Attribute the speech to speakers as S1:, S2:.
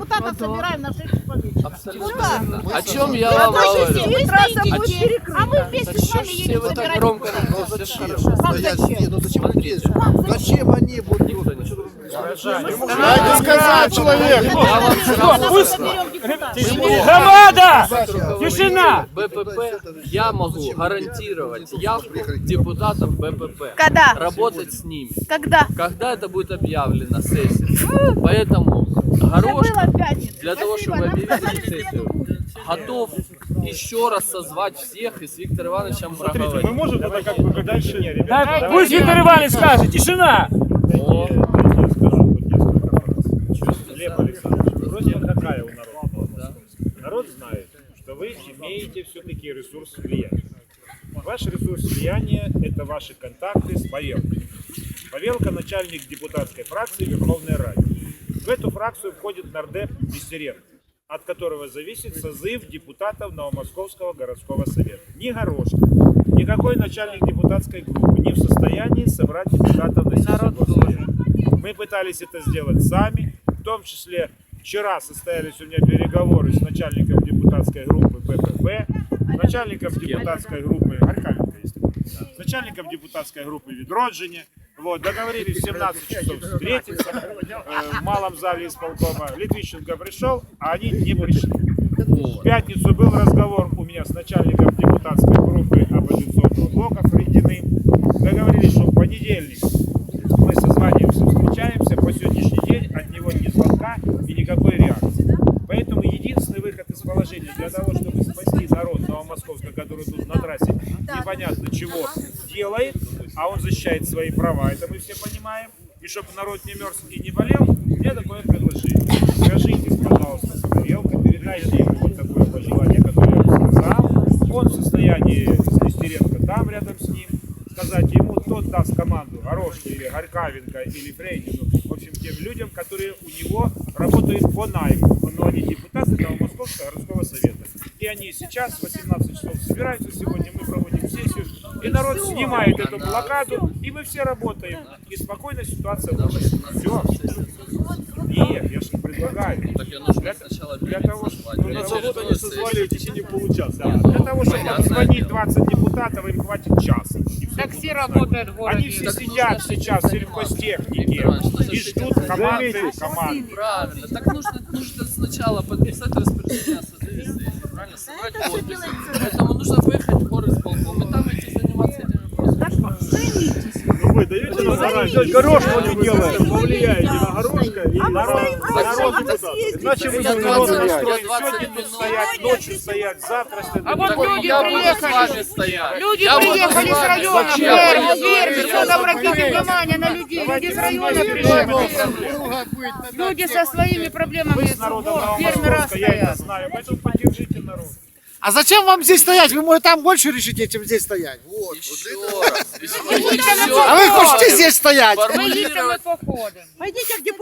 S1: депутатов собираем на 6 часов вечера.
S2: Абсолютно. О чем я вам говорю?
S1: А мы вместе с вами едем
S2: Вы так
S1: собирать
S2: громко
S1: депутатов.
S2: разговариваете.
S3: Зачем они будут?
S4: Дайте сказать человеку.
S2: Я вам сразу скажу.
S4: Громада! Тишина!
S2: БПП, я могу гарантировать явку депутатов БПП.
S5: Когда?
S2: Работать с ними.
S5: Когда?
S2: Когда это будет объявлено сессия. Поэтому Горошко, для того, чтобы объявить сессию, готов еще раз созвать всех и с Виктором Ивановичем проговорить.
S4: Мы можем тогда как бы дальше... Пусть Виктор Иванович скажет, тишина!
S2: О,
S6: Глеб Александрович, просьба какая у народа? Народ знает, что вы имеете все-таки ресурс влияния. Ваш ресурс влияния – это ваши контакты с Павелкой. Павелка – начальник депутатской фракции Верховной Рады. В эту фракцию входит нардеп Нестеренко, от которого зависит созыв депутатов Новомосковского городского совета. Ни Горошко, никакой начальник депутатской группы не в состоянии собрать депутатов на сессию горсовета. Мы пытались это сделать сами, в том числе вчера состоялись у меня переговоры с начальником депутатской группы БПП, начальником депутатской группы с начальником депутатской группы Відродження. Вот, договорились в 17 часов встретиться в малом зале исполкома. Литвищенко пришел, а они не пришли. В пятницу был разговор у меня с начальником депутатской группы оппозиционного блока Фридиным. Договорились, что в понедельник мы созваниваемся, встречаемся. По сегодняшний день от него ни звонка и никакой реакции. Поэтому единственный выход из положения для того, чтобы спасти народ Новомосковска, который тут на трассе непонятно чего делает, а он защищает свои права, это мы все понимаем, и чтобы народ не мерз и не болел, у меня такое предложение. Скажитесь, пожалуйста, с Павелкой, передайте ему вот такое пожелание, которое я вам сказал. Он в состоянии с Нестеренко там рядом с ним. Сказать ему, тот даст команду Горошке или Горькавенко или Фрейдину, в общем, тем людям, которые у него работают по найму, но они депутаты Новомосковского городского совета. И они сейчас в 18 часов собираются, сегодня мы проводим сессию, и народ снимает эту блокаду, и мы все работаем, и спокойно ситуация будет. Все. Нет, я же предлагаю. Для того, чтобы на работу они созвали в течение получаса. Для того, чтобы обзвонить 20 депутатов, им хватит часа.
S1: Так все работают в городе.
S6: Они все сидят сейчас в сельхозтехнике и ждут команды.
S2: правильно. Так нужно сначала подписать распоряжение о созыве сессии, правильно? Собрать подписи. Поэтому нужно поехать в горисполком и там идти заниматься этими вопросами.
S6: Ну вы даете нам гарантию? Горошко не делает. Повлияете на Горошко и народ депутатов. Иначе вы будете народ настроить. Сегодня тут стоять, ночью стоять, завтра стоять.
S1: А вот люди
S2: Я буду с
S1: приехали.
S2: вами стоять.
S1: Люди
S2: Я буду
S1: приехали с района,
S2: Зачем?
S1: Верь, все, обратите внимание на людей. Люди с района пришли. Люди со своими проблемами.
S6: Вы с народом
S1: Фермера
S6: Новомосковска, я это
S1: стоят.
S6: знаю. Поэтому поддержите народ.
S3: А зачем вам здесь стоять? Вы, может, там больше решите, чем здесь стоять. Вот.
S2: Еще раз.
S3: А вы хотите здесь стоять?
S1: Мы едем и походим.
S5: Пойдите к депутатам.